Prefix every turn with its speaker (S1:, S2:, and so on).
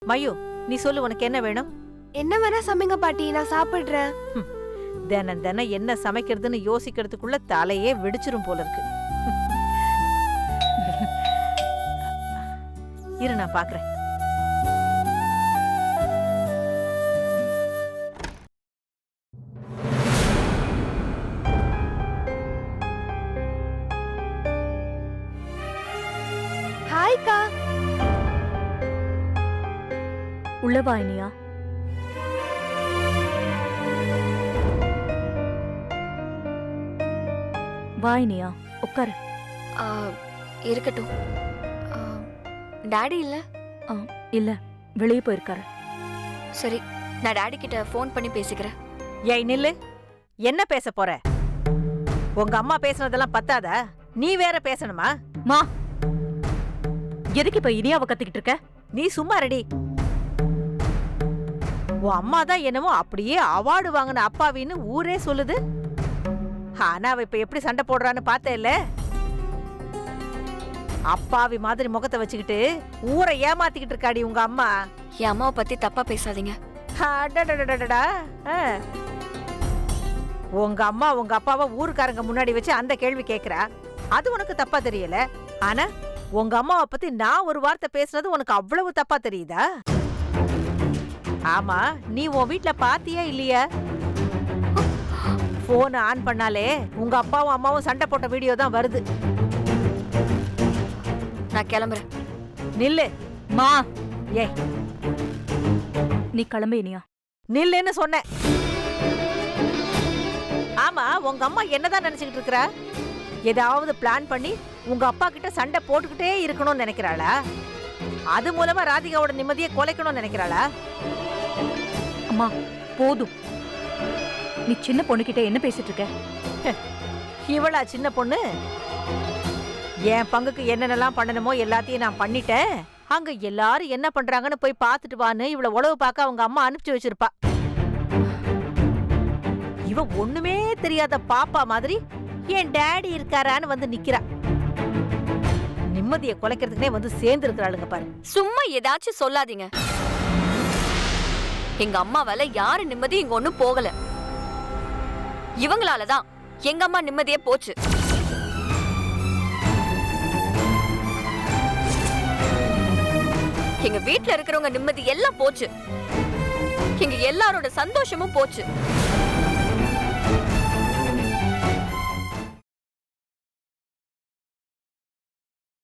S1: மயு, நீ சொல்லு, உனக்கு என்ன வேணும்?
S2: என்ன வேணா சமைங்க பாட்டி, நான் சாப்பிடுறேன்.
S1: தினம் தினம் என்ன சமைக்கிறதுன்னு யோசிக்கிறதுக்குள்ள தலையே வெடிச்சிரும் போல இருக்கு. இரு, நான் பாக்குறேன்.
S2: ஹாய்க்கா.
S3: உள்ள வா இனியா. வா இனியா, உட்காரு.
S2: இருக்கட்டும். டாடி இல்ல?
S3: இல்ல, வெளியே போயிருக்காரு.
S2: சரி, நான் டாடி கிட்ட ஃபோன் பண்ணி பேசிக்கிறேன்.
S1: ஏய் நில்லு, என்ன பேச போற? உங்க அம்மா பேசுனதெல்லாம் பத்தாதா? நீ வேற பேசணுமா?
S3: மா, எதுக்கு இப்ப இனியாவை கத்திக்கிட்டு இருக்க?
S1: நீ சும்மா ரெடி. உன் அம்மா தான் என்னமோ அப்படியே அவார்டு வாங்கின அப்பாவின்னு ஊரே சொல்லுது. ஆனா அவ இப்ப எப்படி சண்டை போடுறான்னு பார்த்தேல்ல? அப்பாவி மாதிரி முகத்தை வச்சுக்கிட்டு ஊரை ஏமாத்திக்கிட்டு இருக்காடி உங்க அம்மா.
S2: என் அம்மாவை பத்தி தப்பா பேசாதீங்க.
S1: அடடடடடடா. உங்க அம்மா உங்க அப்பாவை ஊருக்காரங்க முன்னாடி வச்சு அந்த கேள்வி கேக்குறா. அது உனக்கு தப்பா தெரியல. ஆனா உங்க அம்மாவை பத்தி நான் ஒரு வார்த்தை பேசுனது உனக்கு அவ்வளவு தப்பா தெரியுதா? ஆமா, நீ உன் வீட்ல பாத்தியா இல்லையா? போன் ஆன் பண்ணாலே உங்க அப்பாவும் அம்மாவும் சண்டை போட்ட வீடியோ தான் வருது.
S2: நான் கிளம்புறேன்.
S1: நில்லு.
S3: மா,
S1: ஏய்,
S3: நீ கிளம்பு இனியா.
S1: நில்லுன்னு சொன்னேன். ஆமா, உங்க அம்மா என்னதான் நினைச்சுக்கிட்டு இருக்கறா? ஏதாவது பிளான் பண்ணி உங்க அப்பா கிட்ட சண்டை போட்டுக்கிட்டே இருக்கணும்னு நினைக்கிறாளா? அது மூலமா ராதிகாவோட நிம்மதியை கொலைக்கணும்னு நினைக்கிறாளா?
S3: அம்மா போதும், நீ சின்ன பொண்ணுகிட்ட என்ன பேசிட்டு இருக்க?
S1: இவளா சின்ன பொண்ணு? என் பங்குக்கு என்னென்னலாம் பண்ணணுமோ எல்லாத்தையும் நான் பண்ணிட்டேன். அங்க எல்லாரும் என்ன பண்றாங்கன்னு போய் பார்த்துட்டு வான்னு இவள உளவு பார்க்க அவங்க அம்மா அனுப்பிச்சு வச்சிருப்பா. இவ ஒண்ணுமே தெரியாத பாப்பா மாதிரி என் டாடி இருக்காரான்னு வந்து நிக்கிறா. நிம்மதியை கொலைக்கிறதுக்குனே வந்து சேர்ந்து இருக்கிறாளுங்க பாரு.
S2: சும்மா ஏதாச்சும் சொல்லாதீங்க. எங்க அம்மாவால யாரு நிம்மதி இங்க ஒண்ணும் போகல. இவங்களாலதான் எங்க அம்மா நிம்மதியே போச்சு. எங்க வீட்ல இருக்கிறவங்க நிம்மதி எல்லாம் போச்சு. எங்க எல்லாரோட சந்தோஷமும் போச்சு.